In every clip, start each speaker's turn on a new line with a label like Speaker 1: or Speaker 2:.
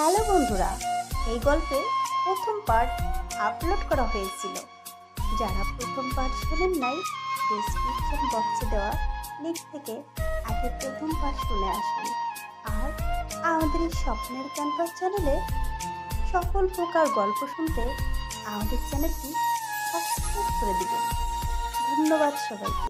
Speaker 1: Hello বন্ধুরা, এই গল্পের প্রথম পার্ট আপলোড করা হয়েছিল। যারা প্রথম পার্ট শোনেন নাই, ডেসক্রিপশন বক্সে দেওয়া লিঙ্ক থেকে আগে প্রথম পার্ট শুনে আসুন। আর আমাদের এই স্বপ্নের ক্যানভাস চ্যানেলে সকল প্রকার গল্প শুনতে আমাদের চ্যানেলটি সাবস্ক্রাইব করে দিবেন। ধন্যবাদ সবাইকে।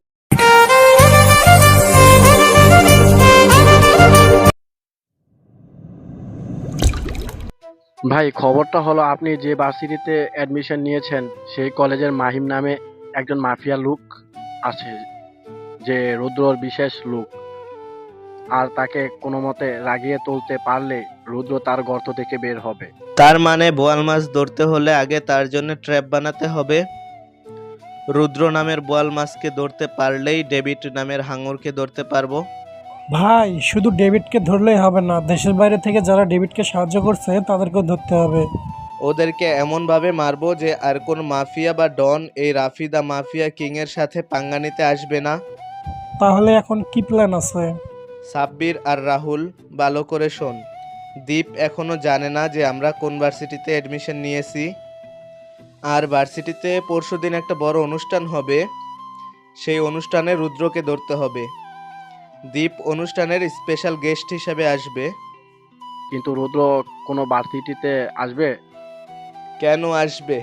Speaker 2: ভাই, খবরটা হলো আপনি যে ভার্সিটিতে অ্যাডমিশন নিয়েছেন সেই কলেজের মাহিম নামে একজন মাফিয়া লোক আছে, যে রুদ্রর বিশেষ লোক। আর তাকে কোনো মতে রাগিয়ে তুলতে পারলে রুদ্র তার গর্ত থেকে বের হবে।
Speaker 3: তার মানে বোয়াল মাছ ধরতে হলে আগে তার জন্য ট্র্যাপ বানাতে হবে। রুদ্র নামের বোয়াল মাছকে ধরতে পারলেই ডেভিড নামের হাঙরকে ধরতে পারবো।
Speaker 4: ভাই, শুধু ডেভিডকে ধরলেই হবে না, দেশের বাইরে থেকে যারা ডেভিডকে সাহায্য করছে তাদেরকেও ধরতে হবে।
Speaker 3: ওদেরকে এমনভাবে মারবো যে আর কোন মাফিয়া বা ডন এই রাফি দা মাফিয়া কিং এর সাথে পাঙ্গা নিতে আসবে না।
Speaker 4: তাহলে এখন কি প্ল্যান আছে?
Speaker 3: সাব্বির আর রাহুল, ভালো করে শোন। দীপ এখনো জানে না যে আমরা কোন ভার্সিটিতে অ্যাডমিশন নিয়েছি। আর ভার্সিটিতে পরশুদিন একটা বড় অনুষ্ঠান হবে, সেই অনুষ্ঠানে রুদ্রকে ধরতে হবে। দীপ অনুষ্ঠানের স্পেশাল গেস্ট হিসেবে আসবে।
Speaker 2: কিন্তু রুদ্র কোনো ভার্সিটিতে আসবে?
Speaker 3: কেন আসবে?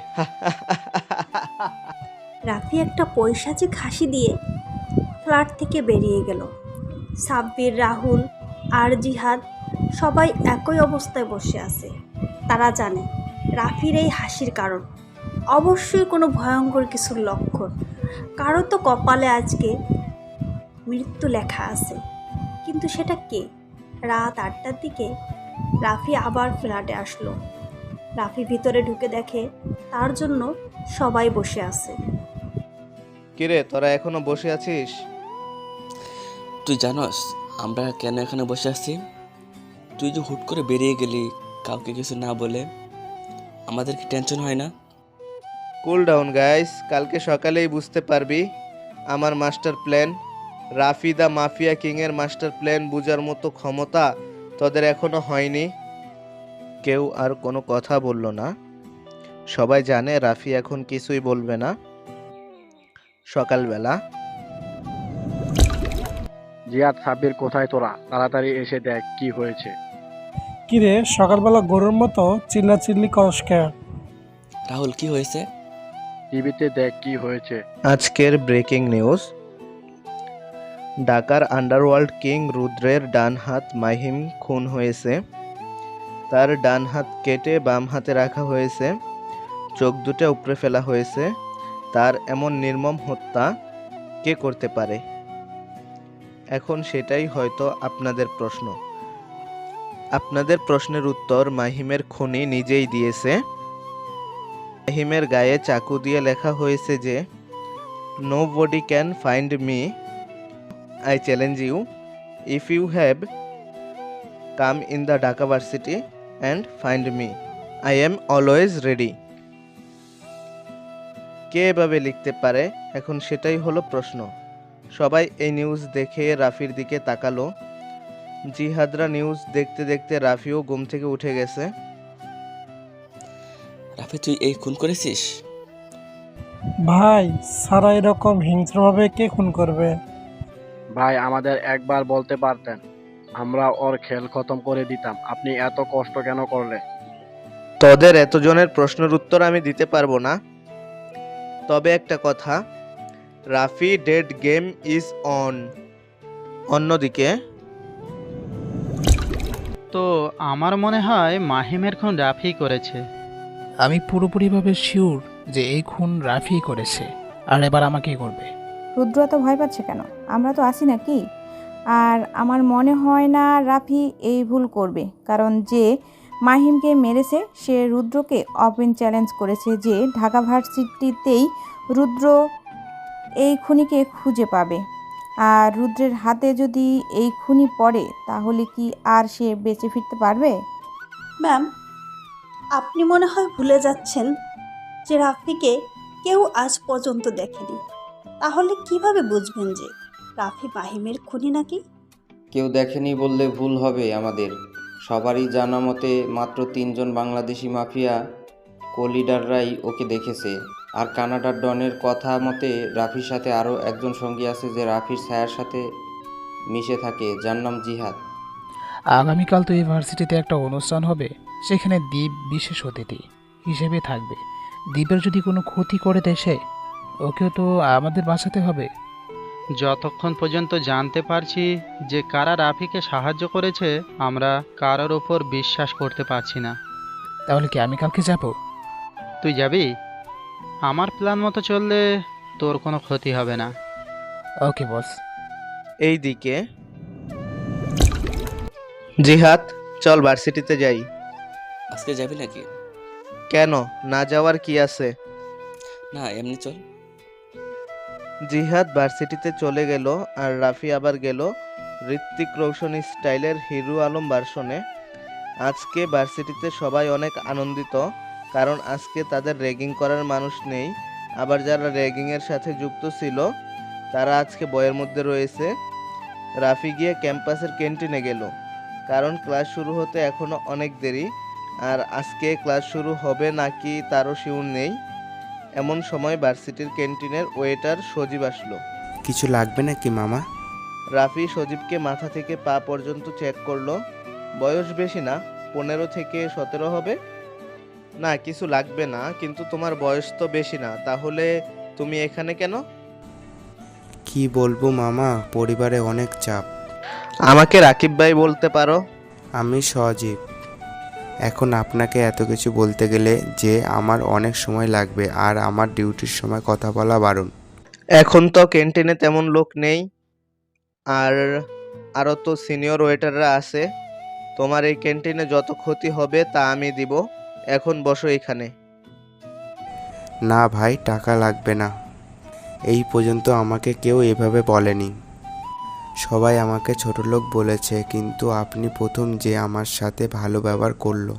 Speaker 1: রাফি একটা পৈশাচিক হাসি দিয়ে ফ্ল্যাট থেকে বেরিয়ে গেল। সাব্বির, রাহুল আর জিহাদ সবাই একই অবস্থায় বসে আছে। তারা জানে রাফির এই হাসির কারণ অবশ্যই কোনো ভয়ঙ্কর কিছুর লক্ষণ। কারো তো কপালে আজকে মৃত্যু লেখা আছে, কিন্তু সেটা কে? রাত 8টার দিকে রাফি আবার ফ্ল্যাটে আসলো। রাফি ভিতরে ঢুকে দেখে তার জন্য সবাই বসে আছে।
Speaker 3: কিরে, তোরা এখনো বসে আছিস?
Speaker 5: তুই জানোস আমরা কেন এখানে বসে আছি? তুই যে হুট করে বেরিয়ে গেলি কাউকে কিছু না বলে, আমাদের কি টেনশন হয় না?
Speaker 3: কুল ডাউন গাইস, কালকে সকালেই বুঝতে পারবি আমার master plan. Rafi the mafia king এর মাস্টার প্ল্যান বুঝার মতো ক্ষমতা তোদের এখনো হয়নি। কেউ আর কোনো কথা বলল না। সবাই জানে রাফি এখন কিছুই বলবে না। সকালবেলা
Speaker 2: জিয়াদ, সাব্বির কোথায় তোরা? তাড়াতাড়ি এসে দেখ কি হয়েছে।
Speaker 4: কিরে, সকালবেলা গরুর মতো চিল্লাচিল্লি করস কে?
Speaker 5: রাহুল, কি হয়েছে?
Speaker 2: টিভিতে দেখ কি হয়েছে।
Speaker 3: আজকের ব্রেকিং নিউজ। ঢাকার আন্ডারওয়ার্ল্ড কিং রুদ্রের ডান হাত মাহিম খুন হয়েছে। তার ডান হাত কেটে বাম হাতে রাখা হয়েছে, চোখ দুটো উপড়ে ফেলা হয়েছে। তার এমন নির্মম হত্যা কে করতে পারে? এখন সেটাই হয়তো আপনাদের প্রশ্ন। আপনাদের প্রশ্নের উত্তর মাহিমের খুনি নিজেই দিয়েছে। মাহিমের গায়ে চাকু দিয়ে লেখা হয়েছে যে nobody can find me, I challenge you, if you have come in the Dhaka varsity and find me, I am always ready. কে এভাবে লিখতে পারে? এখন সেটাই হলো প্রশ্ন। সবাই এই নিউজ দেখে রাফির দিকে তাকালো। জিহাদরা নিউজ দেখতে দেখতে রাফিও ঘুম থেকে উঠে গেছে।
Speaker 5: রাফি, তুই এই খুন করেছিস?
Speaker 4: ভাই, সারা এরকম হিংস্রভাবে কে খুন করবে?
Speaker 2: ভাই, আমাদের একবার বলতে পারতেন, আমরা ওর খেল খতম করে দিতাম। আপনি এত কষ্ট কেন করলেন?
Speaker 3: তোদের এতজনের প্রশ্নের উত্তর আমি দিতে পারবো না। তবে একটা কথা, Rafi dead, game is on. অন্যদিকে
Speaker 6: তো আমার মনে হয় মাহিমের খুন রাফি করেছে।
Speaker 7: আমি পুরোপুরিভাবে শিওর যে এই খুন রাফি করেছে, আর এবার আমাকেই করবে।
Speaker 8: রুদ্র তো ভয় পাচ্ছে কেন? আমরা তো আছি নাকি? আর আমার মনে হয় না রাফি এই ভুল করবে, কারণ যে মাহিমকে মেরেছে সে রুদ্রকে ওপেন চ্যালেঞ্জ করেছে যে ঢাকা ভার্সিটিতেই রুদ্র এই খুনিকে খুঁজে পাবে। আর রুদ্রের হাতে যদি এই খুনি পড়ে তাহলে কি আর সে বেঁচে ফিরতে পারবে?
Speaker 1: ম্যাম, আপনি মনে হয় ভুলে যাচ্ছেন যে রাফিকে কেউ আজ পর্যন্ত দেখেনি। তাহলে কিভাবে বুঝবেন যে রাফি মাহিমের খুনি নাকি?
Speaker 9: কেউ দেখেনি বললে ভুল হবে আমাদের। সবারই জানা মতে মাত্র 3জন বাংলাদেশি মাফিয়া কোলিডাররাই ওকে দেখেছে। আর কানাডার ডনের কথা মতে রাফির সাথে আরও একজন সঙ্গী আছে যে রাফির ছায়ার সাথে মিশে থাকে, যার নাম জিহাদ।
Speaker 7: আগামীকাল তো ইউনিভার্সিটিতে একটা অনুষ্ঠান হবে, সেখানে দ্বীপ বিশেষ অতিথি হিসেবে থাকবে। দ্বীপের যদি কোনো ক্ষতি করে দেশে, ওকেও তো আমাদের বাঁচাতে হবে।
Speaker 6: যতক্ষণ পর্যন্ত জানতে পারছি যে কারা রাফিকে সাহায্য করেছে, আমরা কারোর ওপর বিশ্বাস করতে পারছি না।
Speaker 7: তাহলে কি আমি কালকে যাব?
Speaker 6: তুই যাবি? আমার প্ল্যান মতো চললে তোর কোনো ক্ষতি হবে না।
Speaker 7: ওকে বস।
Speaker 3: এইদিকে জিহাদ, চল ভার্সিটিতে যাই।
Speaker 5: আজকে যাবি নাকি?
Speaker 3: কেন, না যাওয়ার কি আছে?
Speaker 5: না, এমনি চল।
Speaker 3: জিহাদ ভার্সিটিতে চলে গেল আর রাফি আবার গেল ঋত্বিক রোশন স্টাইলের হিরো আলম ভার্সনে। আজকে ভার্সিটিতে সবাই অনেক আনন্দিত, কারণ আজকে তাদের র্যাগিং করার মানুষ নেই। আবার যারা র্যাগিংয়ের সাথে যুক্ত ছিল তারা আজকে বইয়ের মধ্যে রয়েছে। রাফি গিয়ে ক্যাম্পাসের ক্যান্টিনে গেল, কারণ ক্লাস শুরু হতে এখনো অনেক দেরি, আর আজকে ক্লাস শুরু হবে নাকি তারও শিউর নেই। এমন সময় ভার্সিটির ক্যান্টিনের ওয়েটার সজীব আসলো।
Speaker 10: কিছু লাগবে নাকি মামা?
Speaker 3: রাফি সজীবকে মাথা থেকে পা পর্যন্ত চেক করলো। বয়স বেশি না, 15 থেকে 17 হবে। না, কিছু লাগবে না, কিন্তু তোমার বয়স তো বেশি না, তাহলে তুমি এখানে কেন?
Speaker 10: কি বলবো মামা, পরিবারে অনেক চাপ।
Speaker 3: আমাকে রাকিব ভাই বলতে পারো।
Speaker 10: আমি সজীব। এখন আপনাকে এত কিছু বলতে গেলে যে আমার অনেক সময় লাগবে, আর আমার ডিউটির সময় কথা বলা বারণ।
Speaker 3: এখন তো ক্যান্টিনে তেমন লোক নেই, আর আরও তো সিনিয়র ওয়েটাররা আছে। তোমার এই ক্যান্টিনে যত ক্ষতি হবে তা আমি দিব। এখন বসো এখানে।
Speaker 10: না ভাই, টাকা লাগবে না। এই পর্যন্ত আমাকে কেউ এভাবে বলেনি। সবাই আমাকে ছোটলোক বলেছে, কিন্তু আপনি প্রথম যে আমার সাথে ভালো ব্যবহার করলো।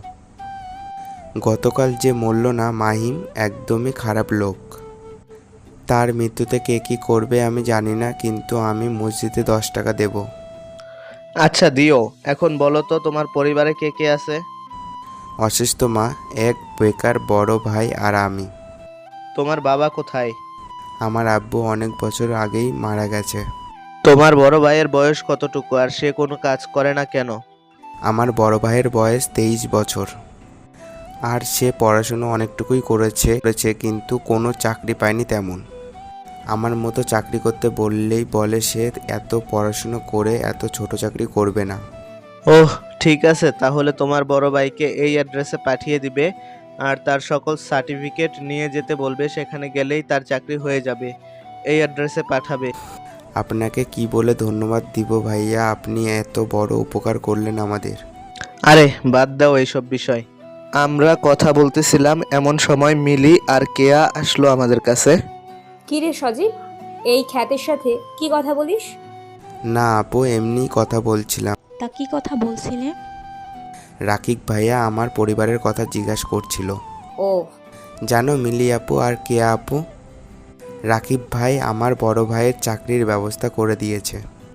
Speaker 10: গতকাল যে মরল না মাহিম, একদমই খারাপ লোক। তার মৃত্যুতে কে কী করবে আমি জানি না, কিন্তু আমি মসজিদে 10 টাকা দেব।
Speaker 3: আচ্ছা দিও। এখন বলো তো তোমার পরিবারে কে কে আছে?
Speaker 10: অসুস্থ মা, এক বেকার বড় ভাই আর আমি।
Speaker 3: তোমার বাবা কোথায়?
Speaker 10: আমার আব্বু অনেক বছর আগেই মারা গেছে।
Speaker 3: তোমার বড় ভাইয়ের বয়স কতটুকু, আর সে কোনো কাজ করে না কেন?
Speaker 10: আমার বড় ভাইয়ের বয়স 23 বছর, আর সে পড়াশুনো অনেকটুকুই করেছে, কিন্তু কোনো চাকরি পায়নি তেমন। আমার মতো চাকরি করতে বললেই বলে সে এত পড়াশুনো করে এত ছোট চাকরি করবে না।
Speaker 3: ওহ, ঠিক আছে, তাহলে তোমার বড় ভাইকে এই অ্যাড্রেসে পাঠিয়ে দিবে, আর তার সকল সার্টিফিকেট নিয়ে যেতে বলবে। সেখানে গেলেই তার চাকরি হয়ে যাবে। এই অ্যাড্রেসে পাঠাবে।
Speaker 10: আপনাকে কি বলে ধন্যবাদ দিব ভাইয়া, আপনি এত বড় উপকার করলেন আমাদের।
Speaker 3: আরে বাদ দাও এইসব বিষয়। আমরা কথা বলতেছিলাম, এমন সময় মিলি আর কেয়া আসলো আমাদের কাছে।
Speaker 11: কি রে সজীব, এই খ্যাতের সাথে কি কথা বলিস?
Speaker 10: না আপু, এমনি কথা বলছিলাম।
Speaker 12: তা কি কথা বলছিলে?
Speaker 10: রাকিব ভাইয়া আমার পরিবারের কথা জিজ্ঞাসা করছিল।
Speaker 11: ও
Speaker 10: জানো মিলি আপু আর কেয়া আপু, রাকিব ভাই আমার বড় ভাইয়ের চাকরির ব্যবস্থা করে দিয়েছে।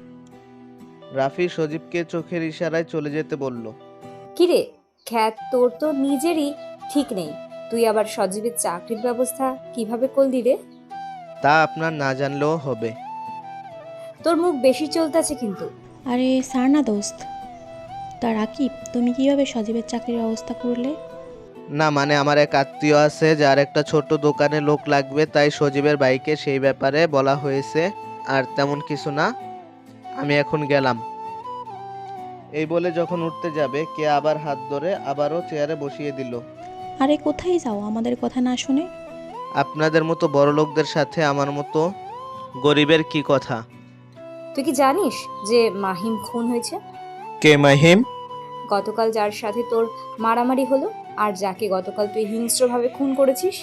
Speaker 3: রাফি সজীবকে চোখের ইশারায় চলে যেতে বলল।
Speaker 11: কি রে খ্যাত, তোর তো নিজেরই ঠিক নেই, তুই আবার সজীবের চাকরির ব্যবস্থা কিভাবে করলি রে?
Speaker 3: তা আপনার না জানলেও হবে।
Speaker 11: তোর মুখ বেশি চলতেছে কিন্তু।
Speaker 12: আরে স্যার না দোস্ত। তা রাকিব, তুমি কিভাবে সজীবের চাকরির ব্যবস্থা করলে?
Speaker 3: না মানে আমার এক আত্মীয় আছে যার একটা ছোট দোকানে লোক লাগবে, তাই সজীবের ভাইকে সেই ব্যাপারে বলা হয়েছে। আর তেমন কিছু না, আমি এখন গেলাম। এই বলে যখন উঠতে যাবে, কে আবার হাত ধরে আবারও চেয়ারে বসিয়ে দিল।
Speaker 12: আরে কোথায় যাও আমাদের কথা না শুনে?
Speaker 3: আপনাদের মতো বড় লোকদের সাথে আমার মতো গরিবের কি কথা?
Speaker 11: তুই কি জানিস যে মাহিম খুন হয়েছে?
Speaker 3: কে মাহিম?
Speaker 11: গতকাল যার সাথে তোর মারামারি হলো, আর যাকে গতকাল তুই হিংস্রভাবে খুন করেছিস।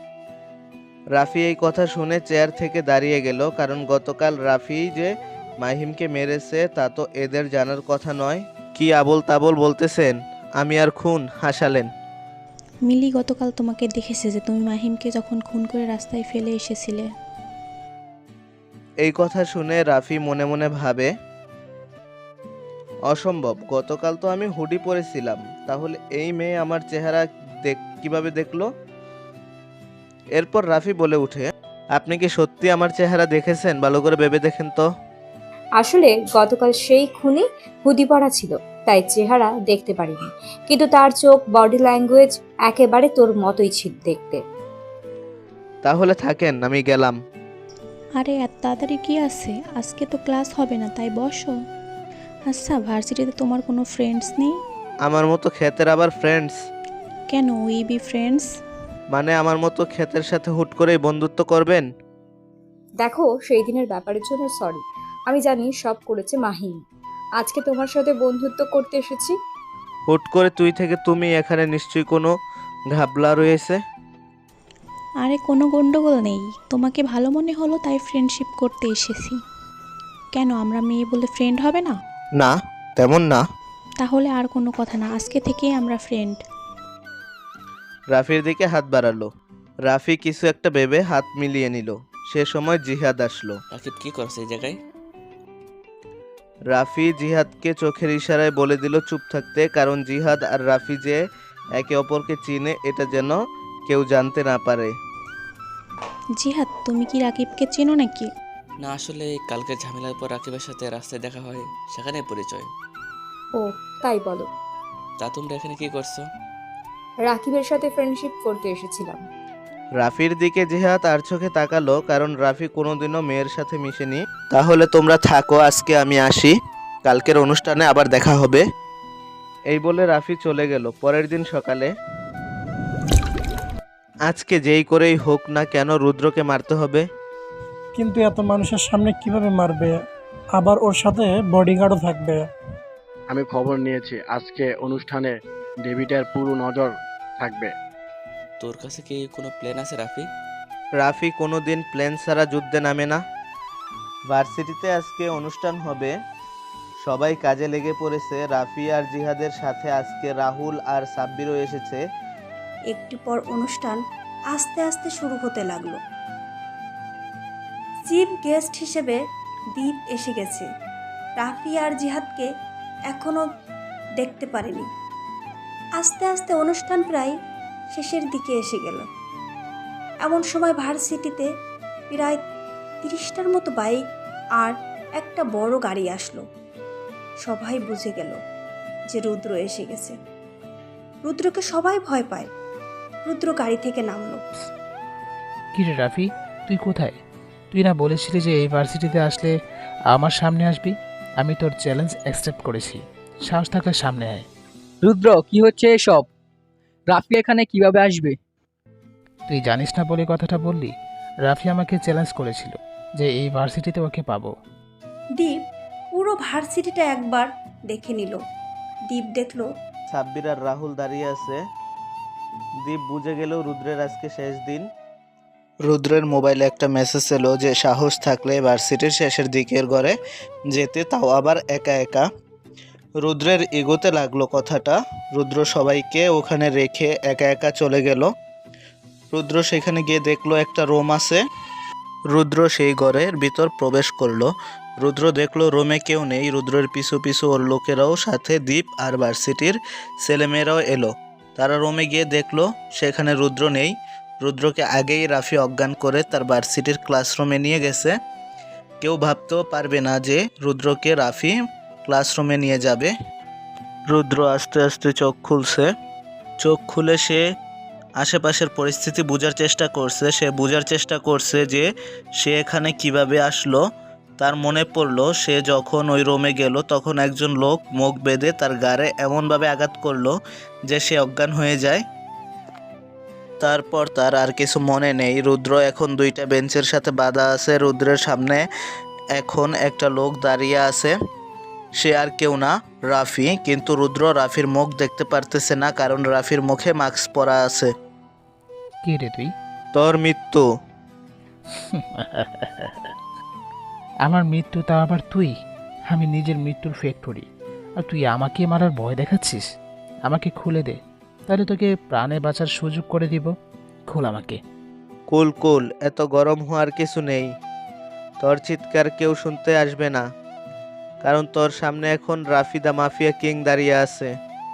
Speaker 3: রাফি এই কথা শুনে চেয়ার থেকে দাঁড়িয়ে গেল, কারণ গতকাল রাফি যে মাহিমকে মেরেছে তা তো এদের জানার কথা নয়। কি আবোল তাবোল বলতেছেন? আমি আর খুন হাসালেন?
Speaker 12: মিলি গতকাল তোমাকে দেখেছে যে তুমি মাহিমকে যখন খুন করে রাস্তায় ফেলে এসেছিলে।
Speaker 3: এই কথা শুনে রাফি মনে মনে ভাবে, অসম্ভব, গতকাল তো আমি হুডি পরেছিলাম, তাহলে এই মেয়ে আমার চেহারা কিভাবে দেখলো? এরপর রাফি বলে উঠে, আপনি কি সত্যি আমার চেহারা দেখেছেন? ভালো করে ভেবে দেখেন তো।
Speaker 11: আসলে গতকাল সেই খুনি হুডি পরা ছিল, তাই চেহারা দেখতে পারিনি, কিন্তু তার চোখ, বডি ল্যাঙ্গুয়েজ একেবারে তোর মতোই ছিল দেখতে।
Speaker 3: তাহলে থাকেন, আমি গেলাম।
Speaker 12: আরে এত তাড়াতাড়ি কি আছে? আজকে তো ক্লাস হবে না, তাই বসো। আচ্ছা, ভার্সিটিতে তোমার কোনো ফ্রেন্ডস নেই?
Speaker 3: আমার মতো ক্ষেতের আবার ফ্রেন্ডস?
Speaker 12: কেন, উই বি ফ্রেন্ডস?
Speaker 3: মানে আমার মতো ক্ষেতের সাথে হুট করেই বন্ধুত্ব করবেন?
Speaker 11: দেখো, সেই দিনের ব্যাপারের জন্য সরি। আমি জানি সব করেছে মাহিম। আজকে তোমার সাথে বন্ধুত্ব করতে এসেছি।
Speaker 3: হুট করে তুই থেকে তুমি, এখানে নিশ্চয়ই কোনো ঘাবলা রয়েছে।
Speaker 12: আরে কোনো গন্ডগোল নেই, তোমাকে ভালো মনে হলো তাই ফ্রেন্ডশিপ করতে এসেছি। কেন, আমরা মেয়ে বলে ফ্রেন্ড হবে না?
Speaker 3: না, তেমন না।
Speaker 12: তাহলে আর কোনো কথা না, আজকে থেকেই আমরা ফ্রেন্ড।
Speaker 3: রাফির দিকে হাত বাড়ালো। রাফি কিছু একটা ভেবে হাত মিলিয়ে নিল। সে সময় জিহাদ আসলো।
Speaker 5: রাকিব কি করছে এই জায়গায়?
Speaker 3: রাফি জিহাদকে চোখের ইশারায় বলে দিল চুপ থাকতে, কারণ জিহাদ আর রাফি যে একে অপরকে চিনে এটা যেন কেউ জানতে না পারে।
Speaker 12: জিহাদ, তুমি কি রাকিবকে চেনো নাকি?
Speaker 5: না, আসলে কালকে ঝামেলার পর রাকিবের সাথে রাস্তায় দেখা হয়, সেখানে পরিচয়।
Speaker 11: ও, তাই বলো।
Speaker 5: তা তোমরা এখানে কি করছো?
Speaker 11: রাকিবের সাথে ফ্রেন্ডশিপ করতে এসেছিলাম।
Speaker 3: রাফির দিকে জিহাদ আর চোখে তাকালো, কারণ রাফি কোনোদিনও মেয়ের সাথে মিশেনি। তাহলে তোমরা থাকো, আজকে আমি আসি, কালকের অনুষ্ঠানে আবার দেখা হবে। এই বলে রাফি চলে গেল। পরের দিন সকালে, আজকে যেই করেই হোক না কেন রুদ্রকে মারতে হবে।
Speaker 4: কিন্তু এত মানুষের সামনে কিভাবে মারবে? আবার ওর সাথে বডিগার্ডও থাকবে।
Speaker 2: আমি খবর নিয়েছি, আজকে অনুষ্ঠানে ডেভিডের পুরো নজর থাকবে।
Speaker 5: তোর কাছে কি কোনো প্ল্যান আছে রাফি?
Speaker 3: রাফি কোনোদিন প্লেন ছাড়া যুদ্ধে নামে না। ভার্সিটিতে আজকে অনুষ্ঠান হবে, সবাই কাজে লেগে পড়েছে। রাফি আর জিহাদের সাথে আজকে রাহুল আর সাব্বিরও এসেছে।
Speaker 1: একটু পর অনুষ্ঠান আস্তে আস্তে শুরু হতে লাগলো। চিফ গেস্ট হিসেবে দীপ এসে গেছে। রাফি আর জিহাদকে এখনও দেখতে পারেনি। আস্তে আস্তে অনুষ্ঠান প্রায় শেষের দিকে এসে গেল। এমন সময় ভার্সিটিতে প্রায় 30টার মতো বাইক আর একটা বড় গাড়ি আসলো। সবাই বুঝে গেল যে রুদ্র এসে গেছে। রুদ্রকে সবাই ভয় পায়। রুদ্র গাড়ি থেকে নামলো।
Speaker 7: কি রে রাফি, তুই কোথায়? তুই না বলেছিলি যে এই ভার্সিটিতে আসলে আমার সামনে আসবি? আমি তোর চ্যালেঞ্জ অ্যাকসেপ্ট করেছি, সাহস থাকলে সামনে আয়।
Speaker 13: রুদ্র, কি হচ্ছে এসব? রাফি এখানে কিভাবে আসবে?
Speaker 7: তুই জানিস না বলে কথাটা বললি? রাফি আমাকে চ্যালেঞ্জ করেছিল যে এই ভার্সিটিতে ওকে পাবো।
Speaker 1: দীপ পুরো ভার্সিটিটা একবার দেখে নিল। দীপ দেখলো
Speaker 3: সাব্বির আর রাহুল দাঁড়িয়ে আছে। দীপ বুঝে গেল রুদ্রের আজকে শেষ দিন। রুদ্রের মোবাইলে একটা মেসেজ এলো যে সাহস থাকলে ভার্সিটির শেষের দিকের ঘরে যেতে, তাও আবার একা একা। রুদ্রের এগোতে লাগলো কথাটা। রুদ্র সবাইকে ওখানে রেখে একা একা চলে গেল। রুদ্র সেখানে গিয়ে দেখলো একটা রুম আছে। রুদ্র সেই ঘরের ভিতর প্রবেশ করলো। রুদ্র দেখলো রুমে কেউ নেই। রুদ্রের পিছু পিছু ওর লোকেরাও, সাথে দীপ আর ভার্সিটির ছেলেমেয়েরাও এলো। তারা রুমে গিয়ে দেখলো সেখানে রুদ্র নেই। রুদ্রকে আগেই রাফি অজ্ঞান করে তার ভার্সিটির ক্লাসরুমে নিয়ে গেছে। কেউ ভাবতেও পারবে না যে রুদ্রকে রাফি ক্লাসরুমে নিয়ে যাবে। রুদ্র আস্তে আস্তে চোখ খুলছে। চোখ খুলে সে আশেপাশের পরিস্থিতি বোঝার চেষ্টা করছে। সে বোঝার চেষ্টা করছে যে সে এখানে কিভাবে আসলো। তার মনে পড়লো সে যখন ওই রুমে গেল তখন একজন লোক মুখ বেঁধে তার গাড়ে এমনভাবে আঘাত করলো যে সে অজ্ঞান হয়ে যায়। তারপর তার আর কিছু মনে নেই। রুদ্র এখন দুইটা বেঞ্চের সাথে বাঁধা আছে। রুদ্রের সামনে এখন একটা লোক দাঁড়িয়ে আছে। সে আর কেউ না, রাফি। কিন্তু রুদ্র রাফির মুখ দেখতে পারতেছে না, কারণ রাফির মুখে মাস্ক পরা আছে।
Speaker 7: কে রে তুই?
Speaker 3: তোর মৃত্যু।
Speaker 7: আমার মৃত্যু, তা আবার তুই? আমি নিজের মৃত্যুর ফ্যাক্টরি, আর তুই আমাকে মারার ভয় দেখাচ্ছিস? আমাকে খুলে দে, তাহলে তোকে প্রাণে বাঁচার সুযোগ করে দিব। খোল আমাকে।
Speaker 3: কুল কুল, এত গরম হওয়ার কিছু নেই। তোর চিৎকার কেউ শুনতে আসবে না। কারণ তোর সামনে এখন রাফি দা মাফিয়া কিং দাঁড়িয়ে আছে।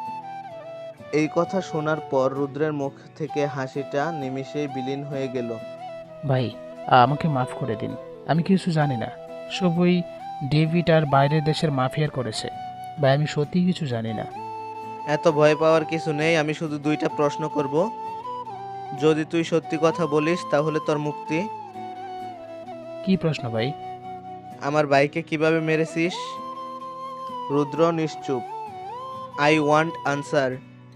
Speaker 3: এই কথা শোনার পর রুদ্রের মুখ থেকে হাসিটা নিমিষেই বিলীন হয়ে গেল।
Speaker 7: ভাই আমাকে মাফ করে দিন, আমি কিছু জানি না। সব ওই ডেভিড আর বাইরের দেশের মাফিয়ার করেছে। ভাই আমি সত্যি কিছু জানি না।
Speaker 3: এত ভয় পাওয়ার কিছু নেই, আমি শুধু দুইটা প্রশ্ন করব। যদি তুই সত্যি কথা বলিস তাহলে তোর মুক্তি।
Speaker 7: কি প্রশ্ন ভাই?
Speaker 3: আমার ভাইকে কিভাবে মেরেছিস? রুদ্র নিশ্চুপ। I want answer.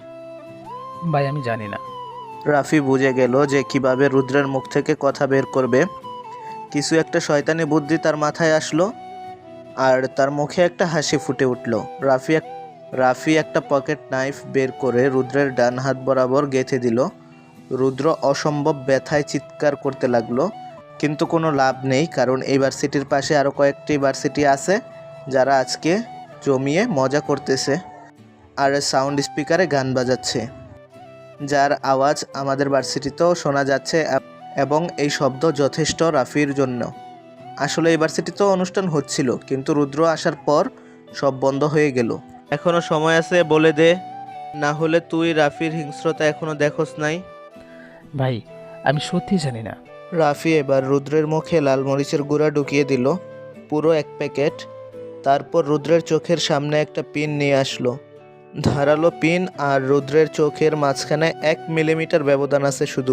Speaker 7: ভাই আমি জানি না।
Speaker 3: রাফি বুঝে গেল যে কিভাবে রুদ্রের মুখ থেকে কথা বের করবে। কিছু একটা শয়তানি বুদ্ধি তার মাথায় আসলো আর তার মুখে একটা হাসি ফুটে উঠল। রাফি একটা পকেট নাইফ বের করে রুদ্রের ডান হাত বরাবর গেঁথে দিল। রুদ্র অসম্ভব ব্যথায় চিৎকার করতে লাগলো, কিন্তু কোনো লাভ নেই, কারণ এই ভার্সিটির পাশে আরও কয়েকটি ভার্সিটি আছে যারা আজকে জমিয়ে মজা করতেছে আর সাউন্ড স্পিকারে গান বাজাচ্ছে, যার আওয়াজ আমাদের ভার্সিটিতেও শোনা যাচ্ছে এবং এই শব্দ যথেষ্ট রাফির জন্য। আসলে এই ভার্সিটিতেও অনুষ্ঠান হচ্ছিল, কিন্তু রুদ্র আসার পর সব বন্ধ হয়ে গেল। এখনো সময় আছে, বলে দে, না হলে তুই রাফির হিংস্রতা এখনো দেখোস নাই।
Speaker 7: ভাই আমি সত্যি জানি না।
Speaker 3: রাফি এবার রুদ্রের মুখে লাল মরিচের গুঁড়া ঢুকিয়ে দিল, পুরো 1 প্যাকেট। তারপর রুদ্রের চোখের সামনে একটা পিন নিয়ে আসলো, ধারালো পিন, আর রুদ্রের চোখের মাঝখানে 1 মিলিমিটার ব্যবধান আছে শুধু।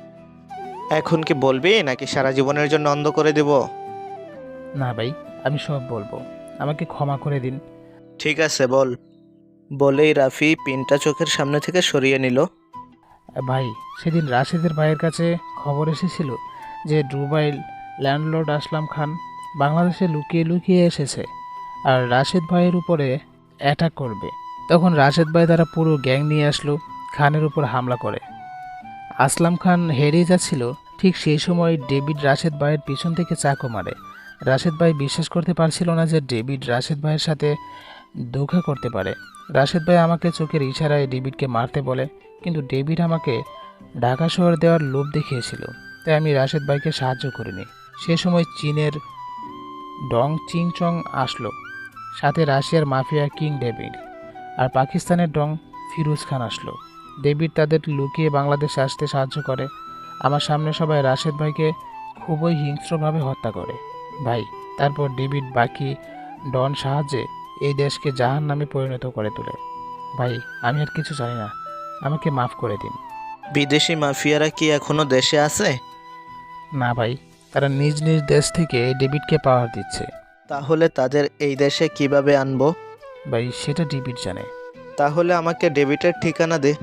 Speaker 3: এখন কি বলবি নাকি সারা জীবনের জন্য অন্ধ করে দেব?
Speaker 7: না ভাই আমি সব বলবো, আমাকে ক্ষমা করে দিন।
Speaker 3: ঠিক আছে বল। বলেই রাফি পিনটা চোখের সামনে থেকে সরিয়ে নিল।
Speaker 7: ভাই সেদিন রাশেদের ভাইয়ের কাছে খবর এসেছিল যে দুবাইয়ের ল্যান্ডলর্ড আসলাম খান বাংলাদেশে লুকিয়ে লুকিয়ে এসেছে আর রাশেদ ভাইয়ের উপরে অ্যাটাক করবে। তখন রাশেদ ভাই তারা পুরো গ্যাং নিয়ে আসলো, খানের উপর হামলা করে। আসলাম খান হেরিয়ে যাচ্ছিল, ঠিক সেই সময় ডেভিড রাশেদ ভাইয়ের পিছন থেকে চাকু মারে। রাশেদ ভাই বিশ্বাস করতে পারছিল না যে ডেভিড রাশেদ ভাইয়ের সাথে ধোঁকা করতে পারে। রাশেদ ভাই আমাকে চোখের ইশারায় ডেভিডকে মারতে বলে, কিন্তু ডেভিড আমাকে ঢাকা শহর দেওয়ার লোভ দেখিয়েছিল, তাই আমি রাশেদ ভাইকে সাহায্য করিনি। সে সময় চীনের ডং চিংচং আসলো, সাথে রাশিয়ার মাফিয়া কিং ডেভিড আর পাকিস্তানের ডং ফিরোজ খান আসলো। ডেভিড তাদের লুকিয়ে বাংলাদেশে আসতে সাহায্য করে। আমার সামনে সবাই রাশেদ ভাইকে খুবই হিংস্রভাবে হত্যা করে। ভাই তারপর ডেভিড বাকি ডন সাহায্যে এই দেশকে জাহান নামে পরিণত করে তোলে। ভাই আমি আর কিছু জানি না, আমাকে মাফ করে দিন।
Speaker 3: বিদেশি মাফিয়ারা কি এখনো দেশে আছে?
Speaker 7: না ভাই, তারা নিজ নিজ দেশ থেকে ডেভিডকে পাওয়ার দিচ্ছে।
Speaker 3: তাহলে তাদের এই দেশে কিভাবে আনবো?
Speaker 7: ভাই সেটা ডেভিড জানে।
Speaker 3: তাহলে আমাকে ডেভিডের ঠিকানা দে।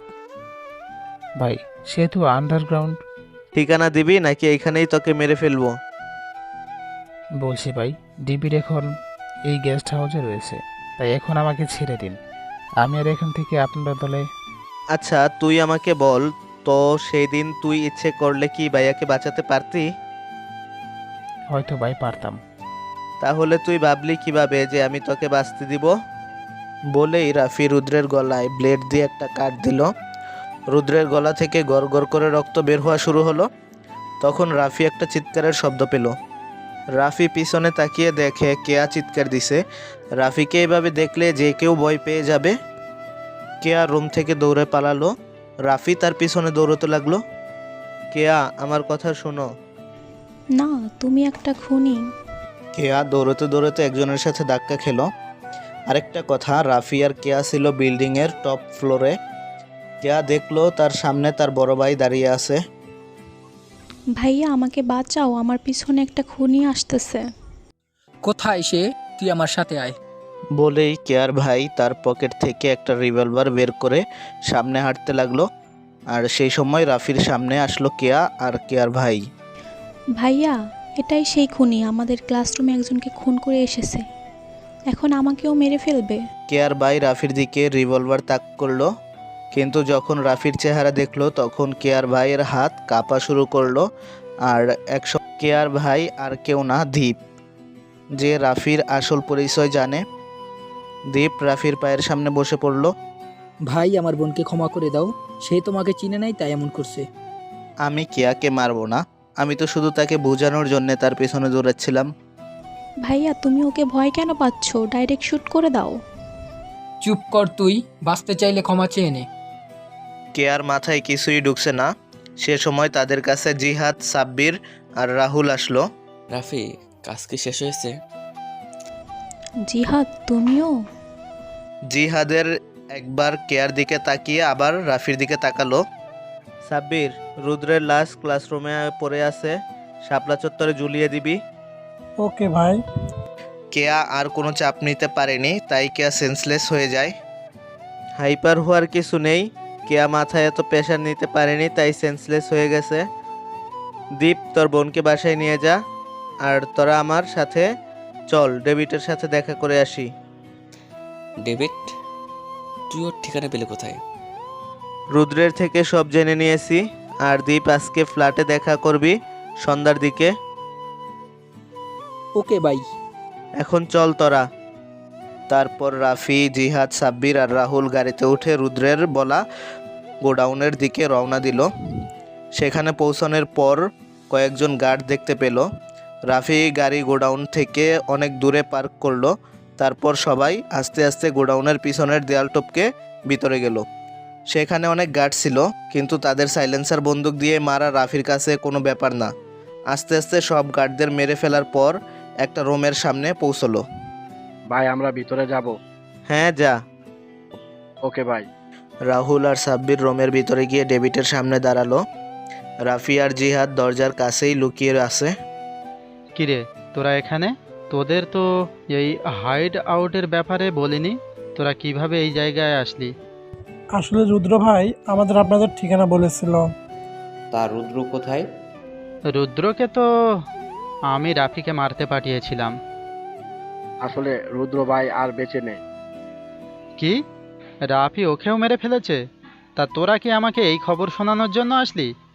Speaker 7: ভাই সে তো আন্ডারগ্রাউন্ড।
Speaker 3: ঠিকানা দিবি নাকি এইখানেই তোকে মেরে ফেলবো?
Speaker 7: বলছি ভাই, ডেভিড এখন এই গেস্ট হাউসে রয়েছে, তাই এখন আমাকে ছেড়ে দিন, আমি আর এখান থেকে আপনার দলে।
Speaker 3: আচ্ছা তুই আমাকে বল তো, সেই দিন তুই ইচ্ছে করলে কি ভাইয়াকে বাঁচাতে পারতি?
Speaker 7: হয়তো ভাই পারতাম।
Speaker 3: তাহলে তুই ভাবলি কিভাবে যে আমি তোকে বাঁচতে দিব? বলেই রাফি রুদ্রের গলায় ব্লেড দিয়ে একটা কাট দিল। রুদ্রের গলা থেকে গড় গড় করে রক্ত বের হওয়া শুরু হলো। তখন রাফি একটা চিৎকারের শব্দ পেল। রাফি পিছনে তাকিয়ে দেখে কেয়া চিৎকার দিছে। রাফিকে এভাবে দেখলে যে কেউ ভয় পেয়ে যাবে। কেয়া রুম থেকে দৌড়ে পালালো। রাফি তার পিছনে দৌড়তে লাগলো। কেয়া আমার কথা শোনো।
Speaker 12: না, তুমি একটা খুনি।
Speaker 3: কেয়া দৌড়তে দৌড়তে একজনের সাথে ধাক্কা খেলো। আরেকটা কথা, রাফি আর কেয়া ছিল বিল্ডিংয়ের টপ ফ্লোরে। কেয়া দেখলো তার সামনে তার বড় ভাই দাঁড়িয়ে আছে।
Speaker 12: ভাইয়া আমাকে বাঁচাও, আমার পিছনে একটা খুনি আসতেছে।
Speaker 13: কোথায় সে? তুই আমার সাথে আয়।
Speaker 3: বলেই কেয়ার ভাই তার পকেট থেকে একটা রিভলভার বের করে সামনে হাঁটতে লাগলো। আর সেই সময় রাফির সামনে আসলো কেয়া আর কেয়ার ভাই।
Speaker 12: ভাইয়া এটাই সেই খুনি, আমাদের ক্লাসরুমে একজনকে খুন করে এসেছে, এখন আমাকেও মেরে ফেলবে।
Speaker 3: কেয়ার ভাই রাফির দিকে রিভলভার তাক করলো, কিন্তু যখন রাফির চেহারা দেখলো তখন কেয়ার ভাইয়ের হাত কাঁপা শুরু করলো। আর কেয়ার ভাই আর কেউ না, দীপ, যে রাফির আসল পরিচয় জানে। দীপ রাফির পায়ের সামনে বসে পড়ল।
Speaker 13: ভাই আমার বোনকে ক্ষমা করে দাও, সে তোমাকে চিনে নাই তাই এমন করছে।
Speaker 3: আমি কেয়াকে মারবো না, আমি তো শুধু তাকে বোঝানোর জন্য তার পেছনে দৌড়াচ্ছিলাম।
Speaker 12: ভাইয়া তুমি ওকে ভয় কেন পাচ্ছ? ডাইরেক্ট শ্যুট করে দাও।
Speaker 13: চুপ কর তুই, বাঁচতে চাইলে ক্ষমা চেয়ে নে।
Speaker 3: কেয়ার মাথায় কিছুই ঢুকছে না। সে সময় তাদের কাছে জিহাদ, সাব্বির আর রাহুল আসলো।
Speaker 5: রাফি, কাজ কি শেষ হয়েছে?
Speaker 12: জিহাদ তুমিও?
Speaker 3: জিহাদের একবার কেয়ার দিকে তাকিয়ে আবার রাফির দিকে তাকালো। সাব্বির, রুদ্রের লাশ ক্লাসরুমে পড়ে আছে, শাপলা চত্বরে ঝুলিয়ে দিবি।
Speaker 4: ওকে ভাই।
Speaker 3: কেয়া আর কোনো চাপ নিতে পারেনি, তাই কেয়া সেন্সলেস হয়ে যায়। হাইপার হওয়ার কিছু নেই, কেয়া মাথায় এত প্রেশার নিতে পারেনি, তাই সেন্সলেস হয়ে গেছে। দীপ, তোর বোনকে বাসায় নিয়ে যা, আর তোরা আমার সাথে চল, ডেভিডের সাথে দেখা করে আসি।
Speaker 5: ডেভিড? তুই ওর ঠিকানা পেলে কোথায়?
Speaker 3: রুদ্রের থেকে সব জেনে নিয়েছি। আর দীপ, আজকে ফ্ল্যাটে দেখা করবি সন্ধ্যার দিকে।
Speaker 13: Okay bye.
Speaker 3: এখন চল তোরা। তারপর রাফি, জিহাদ, সাব্বির আর রাহুল গাড়িতে উঠে রুদ্রের বলা গোডাউনের দিকে রওনা দিল। সেখানে পৌঁছানোর পর কয়েকজন গার্ড দেখতে পেল। রাফি গাড়ি গোডাউন থেকে অনেক দূরে পার্ক করলো। তারপর সবাই আস্তে আস্তে গোডাউনের পিছনের দেয়াল টপকে ভিতরে গেল। সেখানে অনেক গার্ড ছিল, কিন্তু তাদের সাইলেন্সার বন্দুক দিয়ে মারা রাফির কাছে কোনো ব্যাপার না। আস্তে আস্তে সব গার্ডদের মেরে ফেলার পর একটা রুমের সামনে পৌঁছলো।
Speaker 2: ভাই আমরা ভিতরে যাব?
Speaker 3: হ্যাঁ, যা।
Speaker 2: ওকে ভাই।
Speaker 3: রাহুল আর সাব্বির রুমের ভিতরে গিয়ে ডেভিডের সামনে দাঁড়ালো। রাফি আর জিহাদ দরজার কাছেই লুকিয়ে আছে।
Speaker 6: কিরে, তোরা এখানে? তোদের তো এই হাইড আউটের ব্যাপারে বলিনি। তোরা কিভাবে এই জায়গায় আসলি?
Speaker 4: আসলে রুদ্র ভাই আমাদের আপনাদের ঠিকানা বলেছিল।
Speaker 9: তা রুদ্র কোথায়?
Speaker 6: রুদ্রকে তো আমি রাফিকে মারতে পাঠিয়েছিলাম।
Speaker 2: আসলে রুদ্র ভাই আর বেঁচে নেই।
Speaker 6: কি? রাফি ওকেও মেরে ফেলেছে? তা তোরা কি আমাকে এই খবর শোনানোর জন্য আসলি?